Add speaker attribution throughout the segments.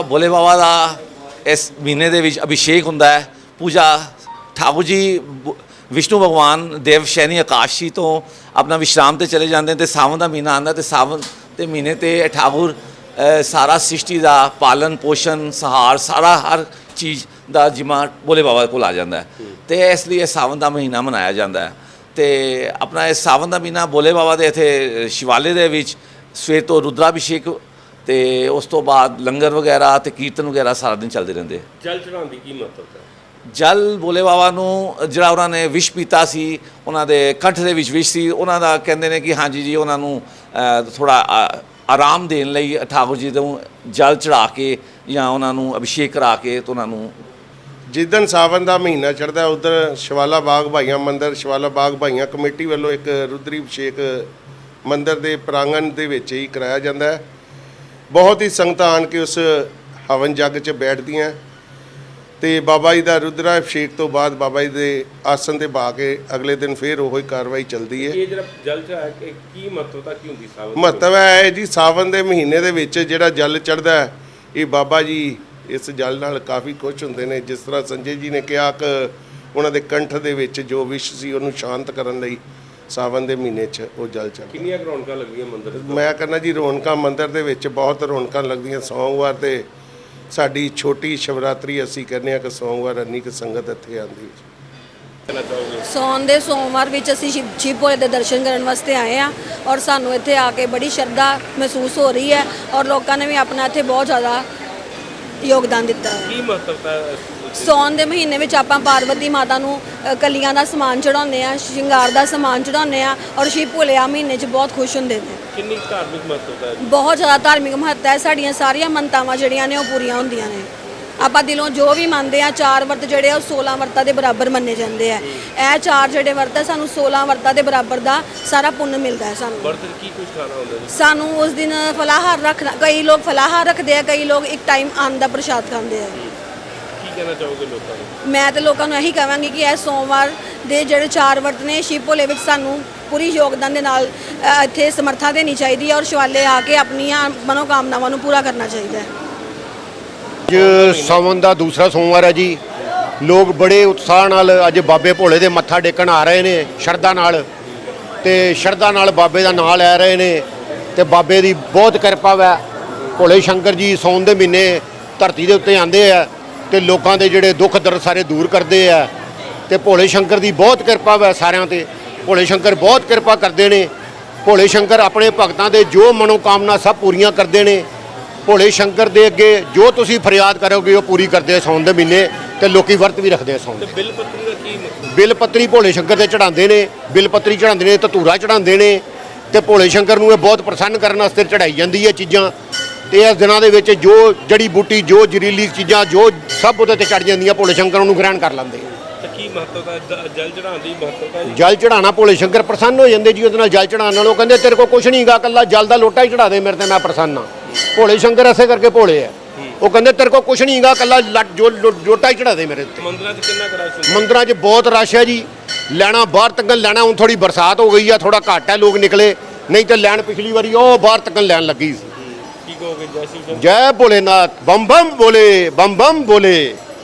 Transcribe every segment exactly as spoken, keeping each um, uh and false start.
Speaker 1: भोले बाबा का इस महीने दे विच अभिषेक हुंदा है। पूजा ठाकुर जी विष्णु भगवान देव शैनी आकाशी तो अपना विश्राम ते चले जाते हैं, तो सावन का महीना आंदा तो सावन के महीने ते ठाकुर सारा सृष्टि का पालन पोषण सहार सारा हर चीज़ का जिम्मा भोले बाबा को आ जाता है। तो इसलिए सावन का महीना मनाया जाता है। तो अपना इस सावन का महीना भोले बाबा के इत्थे शिवाले दे विच सवेर तो रुद्राभिषेक तो उस तो बाद लंगर वगैरह तो कीर्तन वगैरह सारा दिन चलते रहते।
Speaker 2: जल चढ़ाने की की महत्वता है?
Speaker 1: जल भोले बाबा नूं जिहड़ा उन्हां ने विष पीता सी, उन्हां दे कंठ दे विच विष सी, उन्हां दा कहंदे ने कि हाँ जी जी उन्हां नूं थोड़ा आराम देण लई ठाकुर जी नूं जल चढ़ा के या उन्हां नूं अभिषेक करा के तो उन्हां नूं
Speaker 3: जिदन सावन का महीना चढ़ता उधर शिवाला बाग भाइयां मंदिर शिवाला बाग भाइयां कमेटी वालों एक रुद्री अभिषेक मंदिर के प्रांगण के विच ही कराया जाता है। बहुत ही संगतां आन के उस हवन जग च बैठदियां ते बाबा जी का रुद्रा अभिषेक तो बाद बाबा जी के आसन से बहा के अगले दिन फिर वही कार्रवाई चलती है।
Speaker 2: ये जरा जल चढ़ा के की महत्वता की हुंदी सावन?
Speaker 3: महत्व है जी सावन के महीने दे विच जिहड़ा जल चढ़दा है ये बाबा जी इस जल नाल काफ़ी खुश हुंदे ने। जिस तरह संजय जी ने कहा कि उन्हां दे कंठ दे विच जो विष सी उहनूं शांत करन लई सावन के महीने च वो जल चढ़दा।
Speaker 2: कितनियां रौनकां लगदियां मंदिर च?
Speaker 3: मैं कहना जी रौनकां मंदिर दे विच बहुत रौनकां लगदियां। सोमवार ते साडी छोटी शिवरात्रि असीं कहने कि सोमवार अन्नी कि संगत इत्थे आंदी है।
Speaker 4: सौन दे सोमवार विच असीं शिव शिव भोले दे दर्शन करन वास्ते आए हैं और सानूं इत्थे आके बड़ी श्रद्धा महसूस हो रही है और लोगों ने भी अपना इत्थे बहुत ज़्यादा योगदान दिता है।
Speaker 2: की महत्वता है?
Speaker 4: सौन के महीने में आपां पार्वती माता नूं कलियां दा समान चढ़ाउने आ, श्रृंगार दा समान चढ़ाउने आ और शिव भोले आ महीने च बहुत खुश हुंदे ने।
Speaker 2: कितनी धार्मिक महत्वता है?
Speaker 4: बहुत ज़्यादा धार्मिक महत्ता है। साड़ियां सारियां मनतावां जिहड़ियां ने ओह पूरीआं हुंदियां ने। आपां दिलों जो भी मंनदे आ चार वर्त जिहड़े आ सोलह वर्तां दे बराबर मन्ने जांदे आ। ਇਹ चार जिहड़े वर्त है सानूं सोलह वर्तां दे बराबर दा सारा पुण्य मिलदा है। सानूं
Speaker 2: वर्त की कुछ खाना होंदा है?
Speaker 4: सानूं उस दिन फलाहार रखना, कई लोग फलाहार रखते हैं, कई लोग एक टाइम अन्न दा प्रसाद खाते हैं।
Speaker 2: की कहना चाहोगे लोगों को?
Speaker 4: मैं तो लोगों को यही कहांगी कि यह सोमवार दे जिहड़े चार वर्त ने शिव भोले विच सानूं पूरी योगदान दे नाल इत्थे समर्था देनी चाहिए और शिवाले आके अपनियां मनोकामनावां नूं पूरा करना चाहिए।
Speaker 5: अज सावन का दूसरा सोमवार है जी। लोग बड़े उत्साह नाल अज बाबे भोले दे मत्था टेकण आ रहे ने शरधा नाल ते शरधा नाल बाबे दा नाम लै रहे ने ते बाबे दी बहुत किरपा वै। भोले शंकर जी सौन दे महीने धरती दे उत्ते आंदे आ ते लोकां दे जिहड़े दुख दर्द सारे दूर करदे आ ते भोले शंकर दी बहुत किरपा वै सारियां ते। भोले शंकर बहुत किरपा करदे ने। भोले शंकर अपने भगतां दे जो मनोकामना सब पूरीआं करदे ने। भोले शंकर दे अगे जो तुसीं फरियाद करोगे वो पूरी करदे सौन दे महीने ते लोकी वर्त भी रखदे सौन।
Speaker 2: ते बिल पत्री दा की मतलब?
Speaker 5: बिल पत्री भोले शंकर दे चढ़ाਉਂਦੇ ने, बिल पत्री चढ़ाਉਂਦੇ ने, धतूरा चढ़ाਉਂਦੇ ने ते भोले शंकर नूं बहुत प्रसन्न करने वास्ते चढ़ाई जाती है चीज़ां। ते इस दिनां दे विच जो जड़ी बूटी जो जरीली चीज़ां जो सब उहदे ते चढ़ जांदियां भोले शंकर उहनूं ग्रहण कर लैंदे।
Speaker 2: ते की महत्वता है जल चढ़ाने की महत्वता?
Speaker 5: जल चढ़ाना भोले शंकर प्रसन्न हो जाते जी। उहदे नाल जल चढ़ाने नाल ओह कहंदे तेरे को कुछ नहीं गा, कल्ला जल दा लोटा ही चढ़ा दे मेरे ते मैं प्रसन्न हाँ। भोले शंकर ऐसे करके भोले है। वो कहते तेरे को कुछ नहीं गा, कल्ला लट जो लोटा ही चढ़ा दे मेरे ते।
Speaker 2: मंदिरां च कितना रश हुंदा?
Speaker 5: मंदिरां च बहुत रश है जी। लैना बाहर तक लैना हुण थोड़ी बरसात हो गई है, थोड़ा घट है लोग निकले, नहीं तो लैन पिछली बारी ओ बाहर तक लैन लगी।
Speaker 2: की कहोगे? जय श्री कृष्ण।
Speaker 5: जय भोलेनाथ, बम बम बोले, बम बम बोले।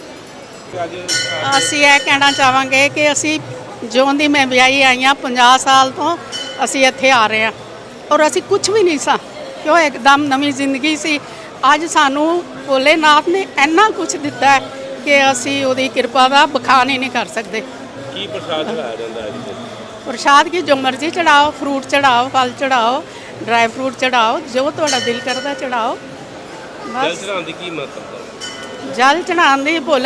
Speaker 6: ਅਸੀਂ ਇਹ ਕਹਿਣਾ ਚਾਹਾਂਗੇ ਕਿ ਅਸੀਂ ਜਿਉਂ ਦੀ ਮੈਂ ਵਿਆਹੀ ਆਈ ਹਾਂ ਪੰਜਾਹ ਸਾਲ ਤੋਂ ਅਸੀਂ ਇੱਥੇ ਆ ਰਹੇ ਹਾਂ ਔਰ ਅਸੀਂ ਕੁਝ ਵੀ ਨਹੀਂ ਸਾਂ ਕਿਉਂ ਇੱਕਦਮ ਨਵੀਂ ਜ਼ਿੰਦਗੀ ਸੀ। ਅੱਜ ਸਾਨੂੰ ਭੋਲੇਨਾਥ ਨੇ ਇੰਨਾ ਕੁਝ ਦਿੱਤਾ ਹੈ ਕਿ ਅਸੀਂ ਉਹਦੀ ਕਿਰਪਾ ਦਾ ਬਖਾਨ ਹੀ ਨਹੀਂ ਕਰ ਸਕਦੇ।
Speaker 2: ਕੀ ਪ੍ਰਸ਼ਾਦ ਚੜਾਇਆ ਜਾਂਦਾ ਹੈ ਜੀ?
Speaker 6: ਪ੍ਰਸ਼ਾਦ ਕੀ ਜੋ ਮਰਜ਼ੀ ਚੜਾਓ, ਫਰੂਟ ਚੜਾਓ, ਫਲ ਚੜਾਓ, ਡਰਾਈ ਫਰੂਟ ਚੜਾਓ, ਜੋ ਤੁਹਾਡਾ ਦਿਲ ਕਰਦਾ ਚੜਾਓ।
Speaker 2: ਜਲ ਚੜਾਉਣ ਦੀ ਕੀ ਮਹੱਤਤਾ?
Speaker 6: ਜਲ ਚੜਾਉਣ ਦੀ ਭੋਲੇ